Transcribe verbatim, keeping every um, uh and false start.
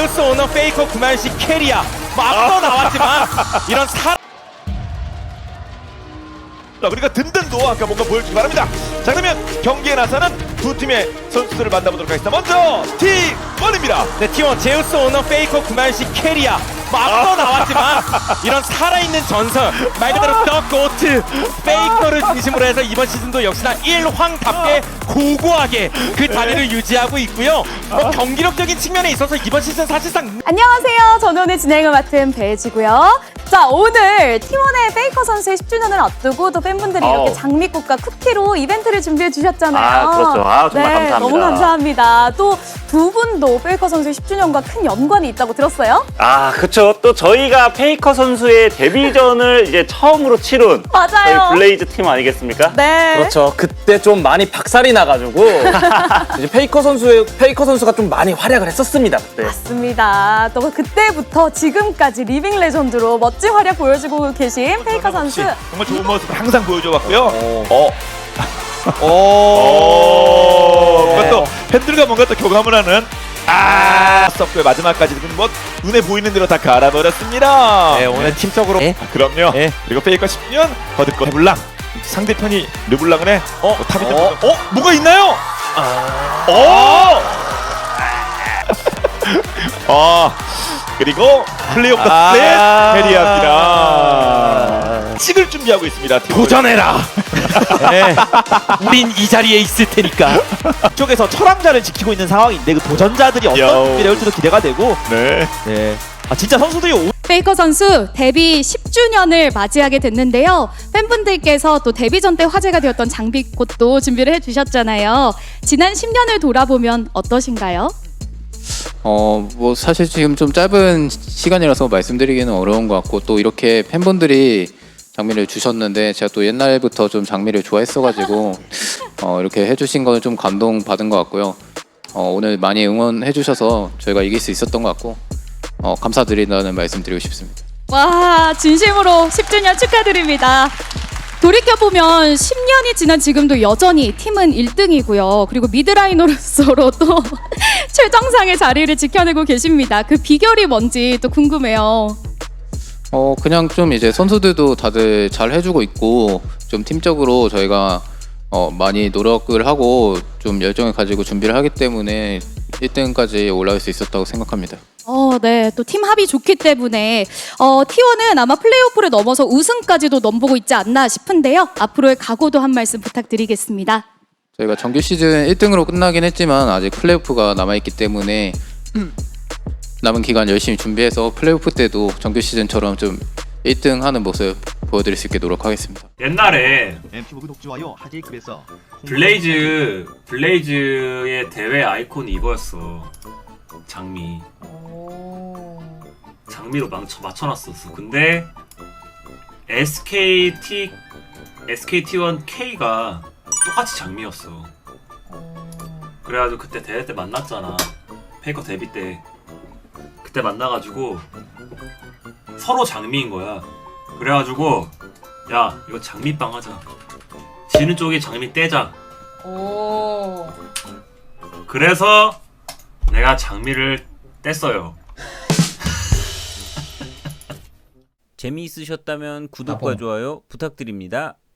제우스 오너 페이커 구만식 캐리아 뭐 앞서 나왔지만 이런 사 자, 그러니까 든든도 아까 뭔가 보여주기 바랍니다. 자, 그러면 경기에 나서는 두 팀의 선수들을 만나보도록 하겠습니다. 먼저 티 원입니다. 네, 티원 제우스 오너 페이커 구만식 캐리아 뭐 앞서 나왔지만 이런 살아있는 전설 말 그대로 더 고트 페이커를 중심으로 해서 이번 시즌도 역시나 일황답게 고고하게 그 자리를 유지하고 있고요. 뭐 경기력적인 측면에 있어서 이번 시즌 사실상 안녕하세요. 저는 오늘 진행을 맡은 배지고요. 자, 오늘 팀원의 페이커 선수의 십 주년을 앞두고 또 팬분들이 어우. 이렇게 장미꽃과 쿠키로 이벤트를 준비해 주셨잖아요. 아, 그렇죠. 아, 정말 네, 감사합니다. 너무 감사합니다. 또 두 분도 페이커 선수의 십 주년과 큰 연관이 있다고 들었어요? 아, 그쵸. 또 저희가 페이커 선수의 데뷔전을 이제 처음으로 치룬 맞아요. 저희 블레이즈 팀 아니겠습니까? 네. 그렇죠. 그때 좀 많이 박살이 나가지고 이제 페이커 선수의 페이커 선수가 좀 많이 활약을 했었습니다 그때. 맞습니다. 또 그때부터 지금까지 리빙 레전드로 멋진 활약 보여주고 계신 페이커 선수. 정말 좋은 모습 항상 보여줘왔고요. 어. 어. 오. 오. 뭔가 또 팬들과 뭔가 또 교감을 하는 아 서프의 마지막까지 뭐 눈에 보이는 대로 다 갈아버렸습니다. 네, 오늘 팀적으로 아, 그럼요. 네. 그리고 페이커 십 년 거듭거 르블랑 상대편이 르블랑을 해. 어? 어, 탑이 어? 어? 어? 뭐가 있나요? 어! 어! 그리고 플레이오프 아. 플랫 캐리합니다. 찍을 준비하고 있습니다. 도전해라. 네, 우린 이 자리에 있을 테니까. 쪽에서 철왕자를 지키고 있는 상황인데 그 도전자들이 어떤 여우. 준비를 할지도 기대가 되고 네. 네. 아 진짜 선수들이 오... 페이커 선수 데뷔 십 주년을 맞이하게 됐는데요. 팬분들께서 또 데뷔전 때 화제가 되었던 장비꽃도 준비를 해주셨잖아요. 지난 십 년을 돌아보면 어떠신가요? 어, 뭐 사실 지금 좀 짧은 시간이라서 말씀드리기는 어려운 것 같고 또 이렇게 팬분들이 장미를 주셨는데 제가 또 옛날부터 좀 장미를 좋아했어가지고 어, 이렇게 해주신 거는 좀 감동받은 것 같고요. 어, 오늘 많이 응원해주셔서 저희가 이길 수 있었던 것 같고 어, 감사드린다는 말씀 드리고 싶습니다. 와, 진심으로 십 주년 축하드립니다. 돌이켜보면 십 년이 지난 지금도 여전히 팀은 일 등이고요. 그리고 미드라이너로서로 또 최정상의 자리를 지켜내고 계십니다. 그 비결이 뭔지 또 궁금해요. 어, 그냥 좀 이제 선수들도 다들 잘 해주고 있고 좀 팀적으로 저희가 어, 많이 노력을 하고 좀 열정을 가지고 준비를 하기 때문에 일 등까지 올라갈 수 있었다고 생각합니다. 어, 네. 또 팀 합이 좋기 때문에 어, 티원은 아마 플레이오프를 넘어서 우승까지도 넘보고 있지 않나 싶은데요. 앞으로의 각오도 한 말씀 부탁드리겠습니다. 저희가 정규 시즌 일 등으로 끝나긴 했지만 아직 플레이오프가 남아있기 때문에 남은 기간 열심히 준비해서 플레이오프 때도 정규 시즌처럼 좀 일 등 하는 모습 보여드릴 수 있게 노력하겠습니다. 옛날에 엠피보그 독주와요 하제이급에서 블레이즈 블레이즈의 대회 아이콘이 이거였어. 장미. 장미로 맞춰 맞춰놨었어. 근데 에스케이티 에스케이티원 K가 똑같이 장미였어. 그래가지고 그때 대회 때 만났잖아. 페이커 데뷔 때. 그때 만나가지고 서로 장미인 거야. 그래가지고 야 이거 장미빵 하자. 지는 쪽이 장미 떼자. 오. 그래서 내가 장미를 뗐어요. 재미있으셨다면 구독과 좋아요 부탁드립니다.